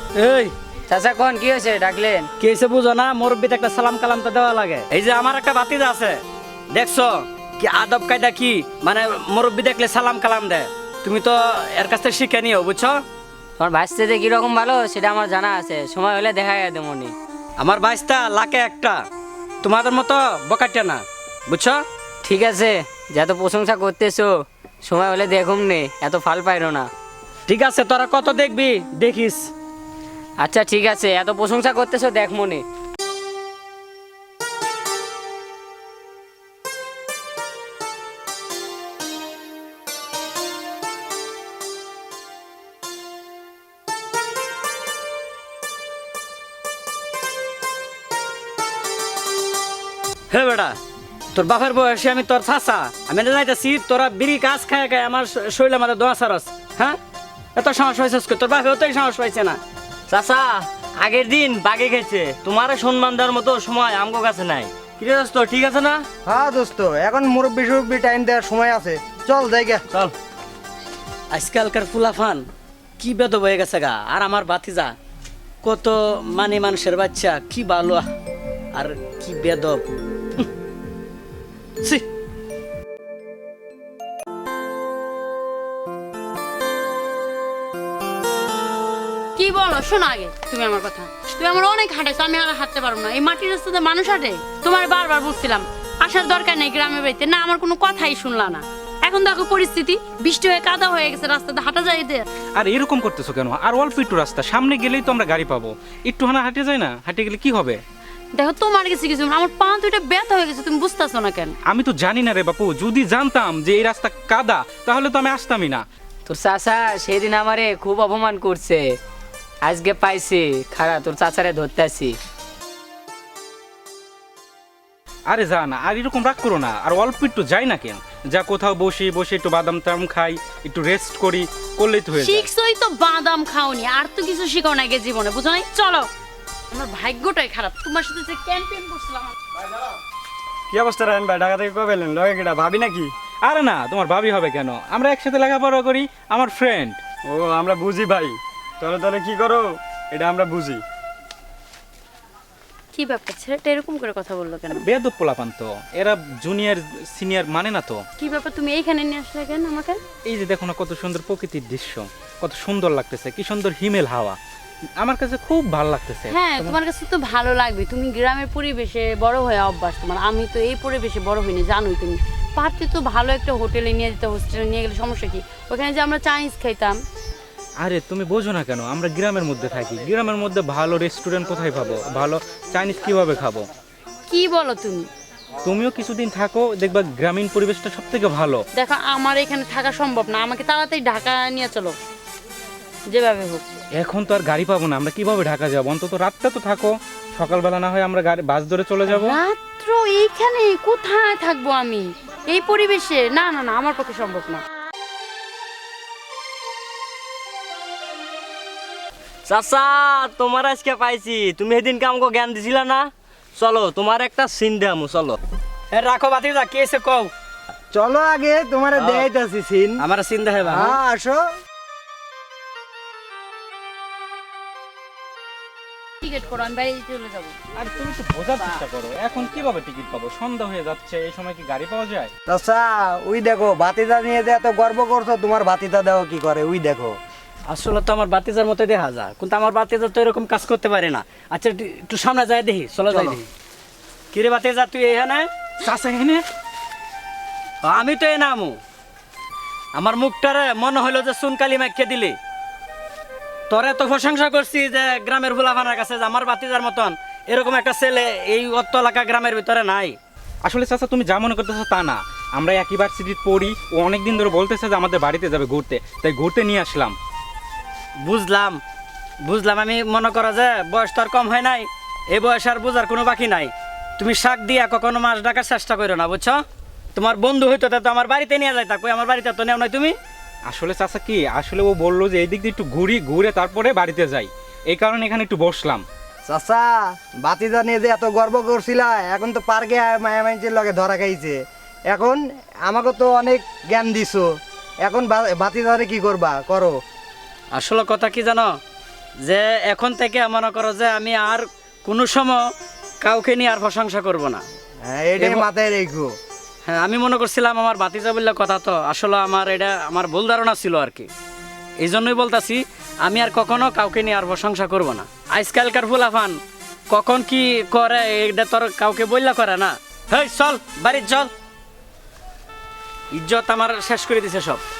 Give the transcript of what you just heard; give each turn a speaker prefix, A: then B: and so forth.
A: এই
B: চাচা কোন কি হয়েছে ডাকলেন?
A: কি হয়েছে বুঝো না? মুরব্বিতে একটা সালাম কালাম তো দেওয়া লাগে। এই যে আমার একটা ভাতিজা আছে, দেখছো কি আদব কায়দা, কি মানে মুরব্বি দেখলে সালাম কালাম দেয়। তুমি তো এর কাছ থেকে শিখে নিও, বুঝছো?
B: তোমার ভাইস্তে কিরকম ভালো সেটা আমার জানা আছে, সময় হলে দেখা যায় তেমনি।
A: আমার বাইশটা লাখে একটা, তোমাদের মতো বকাটা না, বুঝছো?
B: ঠিক আছে, যত প্রশংসা করতেছো সময় হলে দেখুম নে, এত ফাল পাইরো না।
A: ঠিক আছে, তোরা কত দেখবি দেখিস।
B: আচ্ছা ঠিক আছে, এত প্রশংসা করতেছো দেখ মনে।
A: হে বেটা, তোর বাপের বয়সে আমি তোর চাচা, আমি যাইতেছি তোরা বিড়ি কাজ খায় খায় আমার শরীরে আমাদের দোয়া সারস। হ্যাঁ, এত সাহস হয়েছে তোর বাপেও তো সাহস পাইছে না।
C: চাচা আগের দিন বাগে খেয়েছে, তোমার সম্মান দেওয়ার মতো সময় আমগো কাছে নাই। কিরে দোস্ত, ঠিক আছে না?
D: হ্যাঁ দোস্ত, এখন মুরব্বি সুরব্বি টাইম দেওয়ার সময় আছে, চল জায়গা
C: চল।
A: আজকালকার ফুলাফান কি বেদব হয়ে গেছে গা। আর আমার ভাতিজা কত মানে মানুষের বাচ্চা, কি ভালো আর কি বেদব। ছি।
E: কি বলো শোনো আগে তুমি আমার কথা। তুমি আমার অনেক হাঁটাইছো, আমি আর হাঁটতে পারবো না। এই মাটির রাস্তাতে মানুষ হাঁটে? তোমার বারবার বলছিলাম আসার দরকার নেই গ্রামের বাড়িতে, না আমার কোনো কথাই শুনলা না। এখন দেখো পরিস্থিতি, বৃষ্টি হয়ে কাদা হয়ে গেছে, রাস্তাতে হাঁটা যায় এদের।
F: আর এরকম করতেছো কেন? আর অল্প একটু রাস্তা, সামনে গেলেই তো আমরা গাড়ি পাবো। একটু হাঁটে যায় না? হাঁটে গেলে কি হবে?
E: দেখো তোমার কাছে কিছু না, আমার পা দুইটা ব্যথা হয়ে গেছে, তুমি বুঝতেছো না কেন?
F: আমি তো জানি না রে বাপু, যদি জানতাম যে এই রাস্তা কাদা তাহলে তো আমি আসতামই না।
B: তোর চাচা সেদিন আমারে খুব অপমান করছে, আজকে পাইছি খারা তোর চাচারে ধরতেছি।
F: আরে যা না, আর এরকম রাগ করো না, আর অল্প একটু যাই না কেন, যা কোথাও বসে বসে একটু বাদাম টাম খাই, একটু রেস্ট করি, করলেই তো হয়ে যায়।
E: শিখছই তো বাদাম খাওনি, আর তো কিছু শিখাও না গে জীবনে, বুঝো নাই? চলো, আমার ভাগ্যটাই খারাপ, তোমার সাথে যে ক্যাম্পেইন করছিলাম।
D: কি অবস্থা রায়ন ভাই, ঢাকা থেকে কবে এলেন? লগে কিটা ভাবি নাকি?
F: আরে না, তোমার ভাবি হবে কেন? আমরা একসাথে লেখাপড়া করি, আমার ফ্রেন্ড।
D: ও আমরা বুঝি ভাই, তাহলে তাহলে কি করো এটা আমরা বুঝি।
E: কি ব্যাপার, ছেলেটা এরকম করে কথা বললো কেন?
F: বেয়াদব পোলাপান তো, এরা জুনিয়র সিনিয়র মানে না তো।
E: কি ব্যাপার, তুমি এইখানে নিয়ে আসলে কেন আমাকে?
F: এই যে দেখো না কত সুন্দর প্রকৃতির দৃশ্য, কত সুন্দর লাগতেছে, কি সুন্দর হিমেল হাওয়া, আমার কাছে খুব ভালো লাগতেছে।
E: হ্যাঁ তোমার কাছে তো ভালো লাগবে, তুমি গ্রামের পরিবেশে বড় হয়ে অভ্যাস তোমার, আমি তো এই পরিবেশে বড় হইনি, জানোই তুমি। পারতে তো ভালো একটা হোটেলে নিয়ে যেতে, হোস্টেলে নিয়ে গেলে সমস্যা কি? ওখানে যে আমরা চাইনিজ খাইতাম।
F: আরে তুমি বোঝো না কেন, আমরা গ্রামের মধ্যে থাকি, গ্রামের মধ্যে ভালো রেস্টুরেন্ট কোথায় পাবো, ভালো চাইনিজ কিভাবে খাবো?
E: কি বলো তুমি?
F: তুমিও কিছুদিন থাকো, দেখবা গ্রামীণ পরিবেশটা সব থেকে ভালো।
E: দেখো আমার এখানে থাকা সম্ভব না, আমাকে তাড়াতাড়ি ঢাকা নিয়ে চলো, যেভাবে হোক।
F: এখন তো আর গাড়ি পাবো না, আমরা কিভাবে ঢাকা যাবো? অন্তত রাতটা তো থাকো, সকালবেলা না হয় আমরা গাড়ি বাস ধরে চলে যাবো।
E: রাত্র এইখানে কোথায় থাকবো আমি এই পরিবেশে? না না না, আমার পক্ষে সম্ভব না।
C: চাচা তোমার আজকে পাইছি, তুমি সেদিনকে আমাকে জ্ঞান দিছিলা না? চলো তোমার একটা সিন দেয়ামু, চলো।
A: রাখো ভাতিজা, কি এসে কও?
D: চলো আগে তোমার দেখাইতেছি সিন।
A: আমার চিন্তা হবে।
D: হ্যাঁ আসো।
E: টিকিট করো, আমি বাইরে চলে যাবো।
F: আর তুমি তো বোঝার চেষ্টা করো, এখন কিভাবে টিকিট পাবো? সন্ধ্যা হয়ে যাচ্ছে, এই সময় কি গাড়ি পাওয়া যায়?
D: চাচা ওই দেখো ভাতিজা নিয়ে যে এত গর্ব করছো, তোমার ভাতিজা দেখো কি করে, ওই দেখো।
A: আসলে তো আমার বাতিজার মতো দেখা যায়, কিন্তু আমার বাতিজা তো এরকম কাজ করতে পারে না। আচ্ছা একটু সামনে যাই দেখি, চলো যাই দেখি। কিরে বাতিজা, তুই এখানে?
F: চাচা এখানে?
A: আমি তো এ নামু, আমার মুখটারে মনে হইলো যে সুনকালি মাইকে দিলি। তোরে তো প্রশংসা করছি যে গ্রামের ভোলাভানার কাছে যে আমার বাতিজার মতন এরকম একটা ছেলে এই অত্ত এলাকা গ্রামের ভিতরে নাই।
F: আসলে চাচা তুমি যা মনে করতেছো তা না, আমরা একই ভার্সিটিতে পড়ি, ও অনেকদিন ধরে বলতেছে যে আমাদের বাড়িতে যাবে ঘুরতে, তাই ঘুরতে নিয়ে আসলাম।
A: বুঝলাম বুঝলাম, আমি মনে করো যে বয়স তো আর কম হয় নাই, এই বয়স আর বোঝার কোনো বাকি নাই। তুমি শাক দিয়া কখনো মাছ ডাকার চেষ্টা করো না, বুঝছো? তোমার বন্ধু হইতো তো আমার বাড়িতে নিয়ে যাইতা, কই আমার বাড়িতে তো নেও নাই তুমি।
F: আসলে চাচা কি, আসলে ও বললো যে এই দিক দিয়ে একটু ঘুরে তারপরে বাড়িতে যাই, এই কারণে এখানে একটু বসলাম।
D: চাচা ভাতিজা নিয়ে যে এত গর্ব করছিলা, এখন তো পার্কে মায়া মাইনছের লগে ধরা খাইছে, এখন আমাকে তো অনেক জ্ঞান দিছো, এখন ভাতিজারে কি করবা করো।
A: আসলে কথা কি জানো, যে এখন থেকে মনে করো যে আমি আর কোনো সময় কাউকে নিয়ে আর প্রশংসা করব না।
D: হ্যাঁ এটাই মাথায় রেখো।
A: হ্যাঁ, আমি মনে করছিলাম আমার ভাতিজা বললে কথা, তো আসলে আমার এটা আমার ভুল ধারণা ছিল আর কি। এই জন্যই বলতাছি আমি আর কখনো কাউকে নিয়ে আর প্রশংসা করব না। আজকালকার ফুলাফান কখন কি করে এটা তোর কাউকে বললা করে না। হেই চল বাড়ি চল, ইজ্জত আমার শেষ করে দিছে সব।